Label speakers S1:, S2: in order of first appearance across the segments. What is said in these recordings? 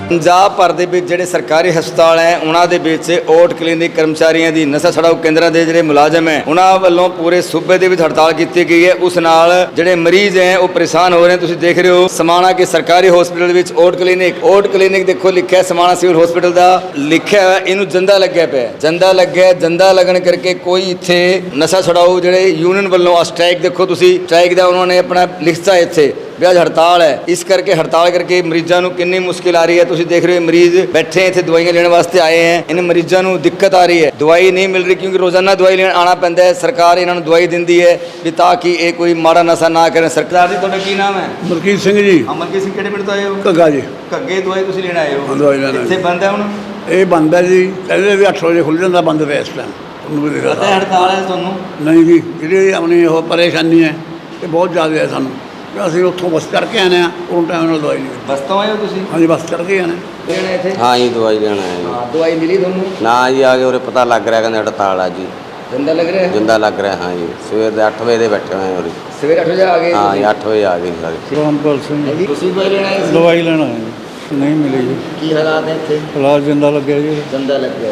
S1: ਪੰਜਾਬ ਭਰ ਦੇ ਵਿੱਚ ਜਿਹੜੇ ਸਰਕਾਰੀ ਹਸਪਤਾਲ ਹੈ ਉਹਨਾਂ ਦੇ ਵਿੱਚ ਓਟ ਕਲੀਨਿਕ ਕਰਮਚਾਰੀਆਂ ਦੀ ਨਸ਼ਾ ਛੁਡਾਊ ਕੇਂਦਰਾਂ ਦੇ ਜਿਹੜੇ ਮੁਲਾਜ਼ਮ ਹੈ ਉਹਨਾਂ ਵੱਲੋਂ ਪੂਰੇ ਸੂਬੇ ਦੇ ਵਿੱਚ ਹੜਤਾਲ ਕੀਤੀ ਗਈ ਹੈ। ਉਸ ਨਾਲ ਜਿਹੜੇ ਮਰੀਜ਼ ਹੈ ਉਹ ਪਰੇਸ਼ਾਨ ਹੋ ਰਹੇ ਨੇ। ਤੁਸੀਂ ਦੇਖ ਰਹੇ ਹੋ ਸਮਾਣਾ ਕੇ ਸਰਕਾਰੀ ਹਸਪਤਾਲ ਵਿੱਚ ਓਟ ਕਲੀਨਿਕ ਦੇਖੋ ਲਿਖਿਆ ਸਮਾਣਾ ਸਿਵਲ ਹਸਪਤਾਲ ਦਾ ਲਿਖਿਆ ਹੋਇਆ, ਇਹਨੂੰ ਜੰਦਾ ਲੱਗਿਆ ਪਿਆ। ਜੰਦਾ ਲੱਗਣ ਕਰਕੇ ਕੋਈ ਇੱਥੇ ਨਸ਼ਾ ਛੁਡਾਊ ਜਿਹੜੇ ਯੂਨੀਅਨ ਵੱਲੋਂ ਸਟ੍ਰਾਈਕ ਦੇਖੋ ਤੁਸੀਂ ਸਟ੍ਰਾਈਕ ਦਾ ਉਹਨਾਂ ਨੇ ਆਪਣਾ ਲਿਖਤਾ ਇੱਥੇ ਵੀ ਅੱਜ ਹੜਤਾਲ ਹੈ। ਇਸ ਕਰਕੇ ਹੜਤਾਲ ਕਰਕੇ ਮਰੀਜ਼ਾਂ ਨੂੰ ਕਿੰਨੀ ਮੁਸ਼ਕਿਲ ਆ ਰਹੀ ਹੈ। ਤੁਸੀਂ ਦੇਖ ਰਹੇ ਹੋ ਮਰੀਜ਼ ਬੈਠੇ ਇੱਥੇ ਦਵਾਈਆਂ ਲੈਣ ਵਾਸਤੇ ਆਏ ਹੈ। ਇਹਨਾਂ ਮਰੀਜ਼ਾਂ ਨੂੰ ਦਿੱਕਤ ਆ ਰਹੀ ਹੈ, ਦਵਾਈ ਨਹੀਂ ਮਿਲ ਰਹੀ ਕਿਉਂਕਿ ਰੋਜ਼ਾਨਾ ਦਵਾਈ ਲੈਣ ਆਉਣਾ ਪੈਂਦਾ ਹੈ। ਸਰਕਾਰ ਇਹਨਾਂ ਨੂੰ ਦਵਾਈ ਦਿੰਦੀ ਹੈ ਵੀ ਤਾਂ ਕਿ ਇਹ ਕੋਈ ਮਾੜਾ ਨਸ਼ਾ ਨਾ ਕਰਨ। ਸਰਕਾਰ ਦੀ ਤੁਹਾਡਾ ਕੀ ਨਾਮ ਹੈ?
S2: ਮਲਕੀਤ ਸਿੰਘ ਜੀ।
S1: ਮਲਕੀਤ ਸਿੰਘ ਕਿਹੜੇ ਪਿੰਡ ਤੋਂ ਆਏ ਹੋ?
S2: ਘੱਗਾ ਜੀ।
S1: ਘੱਗੇ ਦਵਾਈ ਤੁਸੀਂ ਲੈਣ ਆਏ ਹੋ?
S2: ਦਵਾਈ ਲੈਣ
S1: ਇੱਥੇ ਬੰਦ ਹੈ ਹੁਣ?
S2: ਇਹ ਬੰਦ ਹੈ ਜੀ, ਕਹਿੰਦੇ ਵੀ 8 ਵਜੇ ਖੁੱਲ੍ਹ ਜਾਂਦਾ, ਬੰਦ ਪਿਆ ਇਸ ਟਾਈਮ।
S1: ਪਤਾ ਹੈ ਹੜਤਾਲ ਹੈ ਤੁਹਾਨੂੰ?
S2: ਨਹੀਂ ਜੀ, ਜਿਹੜੀ ਆਪਣੀ ਉਹ ਪਰੇਸ਼ਾਨੀ ਹੈ ਇਹ ਬਹੁਤ ਜ਼ਿਆਦਾ ਹੈ ਸਾਨੂੰ। ਅਸੀਂ ਉੱਥੋਂ ਬੱਸ ਚੜ੍ਹ ਕੇ ਆਏ ਹਾਂ, ਉਹ ਟਾਈਮ ਨਾਲ ਦਵਾਈ ਨਹੀਂ।
S1: ਬੱਸ ਤੋਂ ਆਏ ਹੋ ਤੁਸੀਂ?
S2: ਹਾਂਜੀ, ਬੱਸ ਚੜ੍ਹ ਕੇ ਆਏ
S1: ਲੈਣਾ ਇੱਥੇ?
S3: हाँ जी दवाई लेना है जी।
S1: ਦਵਾਈ ਮਿਲੀ ਤੁਹਾਨੂੰ?
S3: ना जी आगे उरे पता लग रहा है हड़ताल है जी।
S1: ਜੰਦਾ ਲੱਗ ਰਿਹਾ ਹੈ?
S3: जिंदा लग रहा है। हाँ जी सवेर के 8 बजे बैठे हुए हैं उरे।
S1: ਸਵੇਰੇ 8 ਵਜੇ ਆ ਗਏ?
S3: हाँ जी 8 बजे आ गए सारे।
S2: ਰਾਮਪਾਲ ਸਿੰਘ।
S1: ਤੁਸੀਂ ਦਵਾਈ ਲੈਣਾ ਹੈ?
S2: ਦਵਾਈ ਲੈਣਾ ਹੈ, ਨਹੀਂ ਮਿਲੀ ਜੀ।
S1: ਕੀ ਹਾਲਾਤ ਹੈ ਇੱਥੇ?
S2: ਫਿਲਹਾਲ ਜਿੰਦਾ ਲੱਗਿਆ ਜੀ।
S1: ਜੰਦਾ ਲੱਗਿਆ।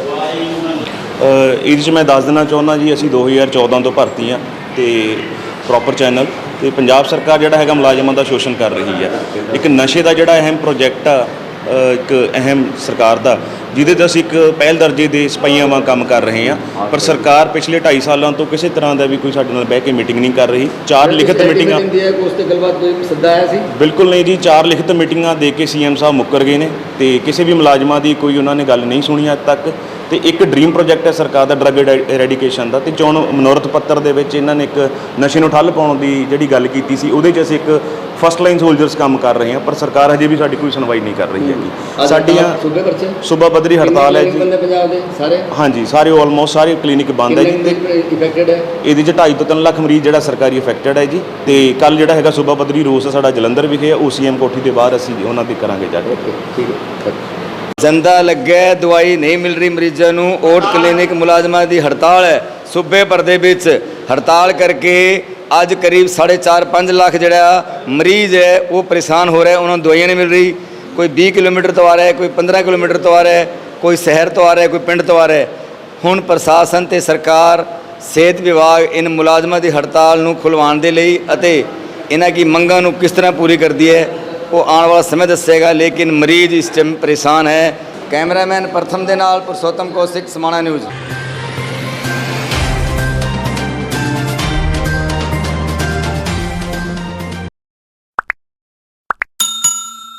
S4: ਇਹਦੇ 'ਚ ਮੈਂ ਦੱਸ ਦੇਣਾ ਚਾਹੁੰਦਾ ਜੀ, ਅਸੀਂ 2014 ਤੋਂ ਭਰਤੀ ਹਾਂ ਤੇ ਪ੍ਰੋਪਰ ਚੈਨਲ ਤੇ ਪੰਜਾਬ ਸਰਕਾਰ ਜਿਹੜਾ ਹੈਗਾ ਮੁਲਾਜ਼ਮਾਂ ਦਾ ਸ਼ੋਸ਼ਣ ਕਰ ਰਹੀ ਹੈ। ਇੱਕ ਨਸ਼ੇ ਦਾ ਜਿਹੜਾ ਅਹਿਮ ਪ੍ਰੋਜੈਕਟ ਆ, ਇੱਕ ਅਹਿਮ ਸਰਕਾਰ ਦਾ, ਜਿਹਦੇ 'ਤੇ ਅਸੀਂ ਇੱਕ ਪਹਿਲ ਦਰਜੇ ਦੇ ਸਿਪਾਹੀਆਂ ਵਾਂਗ ਕੰਮ ਕਰ ਰਹੇ ਹਾਂ। ਪਰ ਸਰਕਾਰ ਪਿਛਲੇ 2.5 ਸਾਲਾਂ ਤੋਂ ਕਿਸੇ ਤਰ੍ਹਾਂ ਦਾ ਵੀ ਕੋਈ ਸਾਡੇ ਨਾਲ ਬਹਿ ਕੇ ਮੀਟਿੰਗ ਨਹੀਂ ਕਰ ਰਹੀ। 4 ਲਿਖਤ ਮੀਟਿੰਗਾਂ
S1: ਉਸ ਤੇ ਗੱਲਬਾਤ ਕੋਈ ਸੱਦਾ ਆਇਆ ਸੀ?
S4: ਬਿਲਕੁਲ ਨਹੀਂ ਜੀ, 4 ਲਿਖਤ ਮੀਟਿੰਗਾਂ ਦੇ ਕੇ ਸੀਐਮ ਸਾਹਿਬ ਮੁੱਕਰ ਗਏ ਨੇ ਤੇ ਕਿਸੇ ਵੀ ਮੁਲਾਜ਼ਮਾਂ ਦੀ ਕੋਈ ਉਹਨਾਂ ਨੇ ਗੱਲ ਨਹੀਂ ਸੁਣੀ ਅੱਜ ਤੱਕ। ਤੇ ਇੱਕ ਡ੍ਰੀਮ ਪ੍ਰੋਜੈਕਟ ਹੈ ਸਰਕਾਰ ਦਾ ਡਰੱਗ ਐਰੈਡੀਕੇਸ਼ਨ ਦਾ, ਤੇ ਚੋਣ ਮਨੋਰਥ ਪੱਤਰ ਦੇ ਵਿੱਚ ਇਹਨਾਂ ਨੇ ਇੱਕ ਨਸ਼ੇ ਨੂੰ ਠੱਲ ਪਾਉਣ ਦੀ ਜਿਹੜੀ ਗੱਲ ਕੀਤੀ ਸੀ, ਉਹਦੇ 'ਚ ਅਸੀਂ ਇੱਕ ਫਸਟ ਲਾਈਨ ਸੋਲਜਰਸ ਕੰਮ ਕਰ ਰਹੇ ਹਾਂ। ਪਰ ਸਰਕਾਰ ਹਜੇ ਵੀ ਸਾਡੀ ਕੋਈ ਸੁਣਵਾਈ ਨਹੀਂ ਕਰ ਰਹੀ ਹੈਗੀ। ਸਾਡੀਆਂ ਸੂਬਾ ਪੱਧਰੀ ਹੜਤਾਲ ਹੈ ਜੀ।
S1: ਪੰਜਾਬ ਦੇ ਸਾਰੇ? ਹਾਂਜੀ,
S4: ਸਾਰੇ ਆਲਮੋਸਟ ਸਾਰੇ ਕਲੀਨਿਕ ਬੰਦ ਹੈ ਜੀ। ਤੇ
S1: ਇਫੈਕਟਡ ਹੈ ਇਹਦੇ 'ਚ
S4: 2.5 ਤੋਂ 3 ਲੱਖ ਮਰੀਜ਼ ਜਿਹੜਾ ਸਰਕਾਰੀ ਇਫੈਕਟਡ ਹੈ ਜੀ। ਤੇ ਕੱਲ ਜਿਹੜਾ ਹੈਗਾ ਸੂਬਾ ਪੱਧਰੀ ਰੋਸ ਸਾਡਾ ਜਲੰਧਰ ਵਿਖੇ ਹੈ, OCM ਕੋਠੀ ਦੇ ਬਾਹਰ ਅਸੀਂ ਉਹਨਾਂ ਦੀ ਕਰਾਂਗੇ ਜਾ ਕੇ।
S1: ਠੀਕ ਹੈ। ਜੰਦਾ ਲੱਗਿਆ, ਦਵਾਈ ਨਹੀਂ ਮਿਲ ਰਹੀ ਮਰੀਜ਼ਾਂ ਨੂੰ। ਓਟ ਕਲੀਨਿਕ ਮੁਲਾਜ਼ਮਾਂ ਦੀ ਹੜਤਾਲ ਹੈ ਸੂਬੇ ਭਰ ਦੇ ਵਿੱਚ। ਹੜਤਾਲ ਕਰਕੇ ਅੱਜ ਕਰੀਬ 4.5 ਲੱਖ ਜਿਹੜਾ ਮਰੀਜ਼ ਹੈ ਉਹ ਪਰੇਸ਼ਾਨ ਹੋ ਰਿਹਾ। ਉਹਨਾਂ ਨੂੰ ਦਵਾਈਆਂ ਨਹੀਂ ਮਿਲ ਰਹੀ। ਕੋਈ 20 ਕਿਲੋਮੀਟਰ ਤੋਂ ਆ ਰਿਹਾ, ਕੋਈ 15 ਕਿਲੋਮੀਟਰ ਤੋਂ ਆ ਰਿਹਾ, ਕੋਈ ਸ਼ਹਿਰ ਤੋਂ ਆ ਰਿਹਾ, ਕੋਈ ਪਿੰਡ ਤੋਂ ਆ ਰਿਹਾ। ਹੁਣ ਪ੍ਰਸ਼ਾਸਨ ਤੇ ਸਰਕਾਰ, ਸਿਹਤ ਵਿਭਾਗ ਇਨ ਮੁਲਾਜ਼ਮਾਂ ਦੀ ਹੜਤਾਲ ਨੂੰ ਖੁਲਵਾਉਣ ਦੇ ਲਈ ਅਤੇ ਇਹਨਾਂ ਦੀ ਮੰਗਾਂ ਨੂੰ ਕਿਸ ਤਰ੍ਹਾਂ ਪੂਰੀ ਕਰਦੀ ਹੈ ਉਹ ਆਉਣ ਵਾਲਾ ਸਮੇਂ ਦੱਸੇਗਾ। ਲੇਕਿਨ ਮਰੀਜ਼ ਇਸ ਟਾਈਮ ਪਰੇਸ਼ਾਨ ਹੈ। ਕੈਮਰਾਮੈਨ ਪ੍ਰਥਮ ਦੇ ਨਾਲ ਪੁਰਸ਼ੋਤਮ ਕੌਸ਼ਿਕ, ਸਮਾਣਾ ਨਿਊਜ਼।